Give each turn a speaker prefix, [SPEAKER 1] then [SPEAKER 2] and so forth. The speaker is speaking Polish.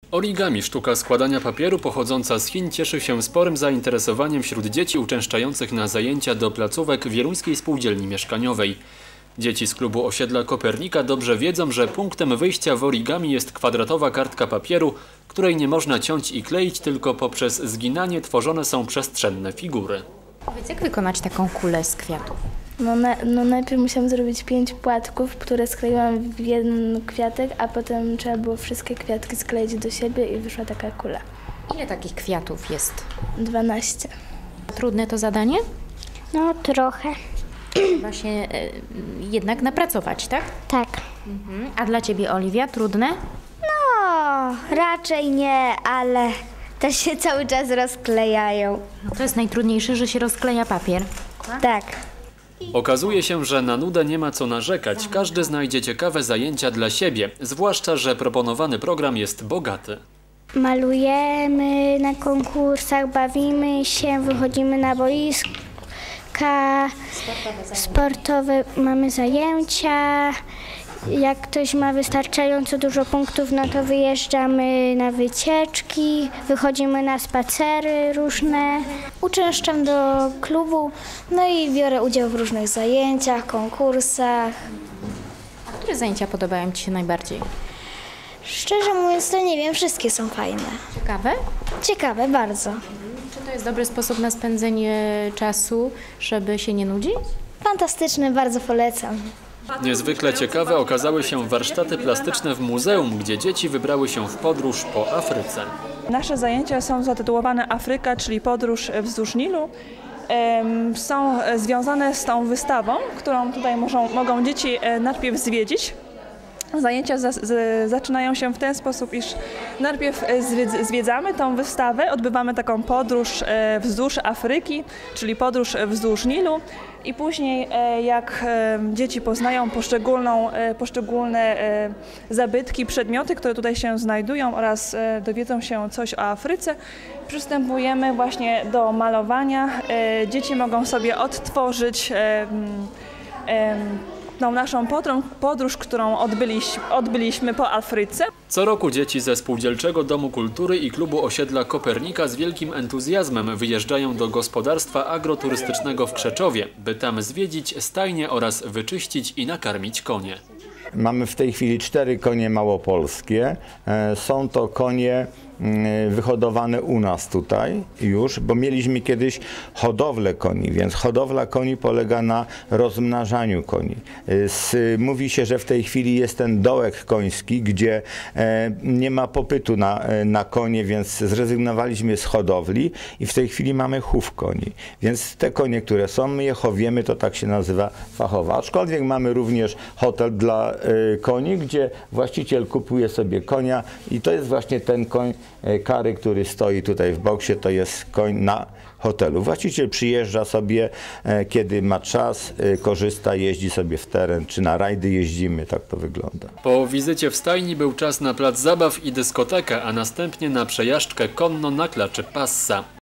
[SPEAKER 1] Origami, sztuka składania papieru pochodząca z Chin, cieszy się sporym zainteresowaniem wśród dzieci uczęszczających na zajęcia do placówek Wieluńskiej Spółdzielni Mieszkaniowej. Dzieci z klubu osiedla Kopernika dobrze wiedzą, że punktem wyjścia w origami jest kwadratowa kartka papieru, której nie można ciąć i kleić, tylko poprzez zginanie tworzone są przestrzenne figury.
[SPEAKER 2] Powiedz, jak wykonać taką kulę z kwiatów?
[SPEAKER 3] Najpierw musiałam zrobić 5 płatków, które skleiłam w jeden kwiatek, a potem trzeba było wszystkie kwiatki skleić do siebie i wyszła taka kula.
[SPEAKER 2] Ile takich kwiatów jest?
[SPEAKER 3] 12.
[SPEAKER 2] Trudne to zadanie?
[SPEAKER 4] No trochę.
[SPEAKER 2] Trzeba się jednak napracować, tak?
[SPEAKER 4] Tak.
[SPEAKER 2] A dla Ciebie, Oliwia, trudne?
[SPEAKER 4] No, raczej nie, ale też się cały czas rozklejają.
[SPEAKER 2] No to jest najtrudniejsze, że się rozkleja papier.
[SPEAKER 4] Tak.
[SPEAKER 1] Okazuje się, że na nudę nie ma co narzekać. Każdy znajdzie ciekawe zajęcia dla siebie, zwłaszcza że proponowany program jest bogaty.
[SPEAKER 4] Malujemy na konkursach, bawimy się, wychodzimy na boiska sportowe, mamy zajęcia. Jak ktoś ma wystarczająco dużo punktów, no to wyjeżdżamy na wycieczki, wychodzimy na spacery różne.
[SPEAKER 3] Uczęszczam do klubu, no i biorę udział w różnych zajęciach, konkursach.
[SPEAKER 2] A które zajęcia podobają Ci się najbardziej?
[SPEAKER 3] Szczerze mówiąc, to nie wiem, wszystkie są fajne.
[SPEAKER 2] Ciekawe?
[SPEAKER 3] Ciekawe bardzo.
[SPEAKER 2] Czy to jest dobry sposób na spędzenie czasu, żeby się nie nudzić?
[SPEAKER 3] Fantastyczne, bardzo polecam.
[SPEAKER 1] Niezwykle ciekawe okazały się warsztaty plastyczne w muzeum, gdzie dzieci wybrały się w podróż po Afryce.
[SPEAKER 5] Nasze zajęcia są zatytułowane Afryka, czyli podróż wzdłuż Nilu. Są związane z tą wystawą, którą tutaj mogą dzieci najpierw zwiedzić. Zajęcia zaczynają się w ten sposób, iż najpierw zwiedzamy tą wystawę, odbywamy taką podróż wzdłuż Afryki, czyli podróż wzdłuż Nilu i później jak dzieci poznają poszczególne zabytki, przedmioty, które tutaj się znajdują oraz dowiedzą się coś o Afryce, przystępujemy właśnie do malowania. Dzieci mogą sobie odtworzyć tą naszą podróż, którą odbyliśmy po Afryce.
[SPEAKER 1] Co roku dzieci ze Spółdzielczego Domu Kultury i klubu osiedla Kopernika z wielkim entuzjazmem wyjeżdżają do gospodarstwa agroturystycznego w Krzeczowie, by tam zwiedzić stajnie oraz wyczyścić i nakarmić konie.
[SPEAKER 6] Mamy w tej chwili 4 konie małopolskie. Są to konie wyhodowane u nas tutaj już, bo mieliśmy kiedyś hodowlę koni, więc hodowla koni polega na rozmnażaniu koni. Mówi się, że w tej chwili jest ten dołek koński, gdzie nie ma popytu na konie, więc zrezygnowaliśmy z hodowli i w tej chwili mamy chów koni. Więc te konie, które są, my je chowiemy, to tak się nazywa fachowo. Aczkolwiek mamy również hotel dla koni, gdzie właściciel kupuje sobie konia i to jest właśnie ten koń Kary, który stoi tutaj w boksie, to jest koń na hotelu. Właściciel przyjeżdża sobie, kiedy ma czas, korzysta, jeździ sobie w teren, czy na rajdy jeździmy, tak to wygląda.
[SPEAKER 1] Po wizycie w stajni był czas na plac zabaw i dyskotekę, a następnie na przejażdżkę konno na klaczy Passa.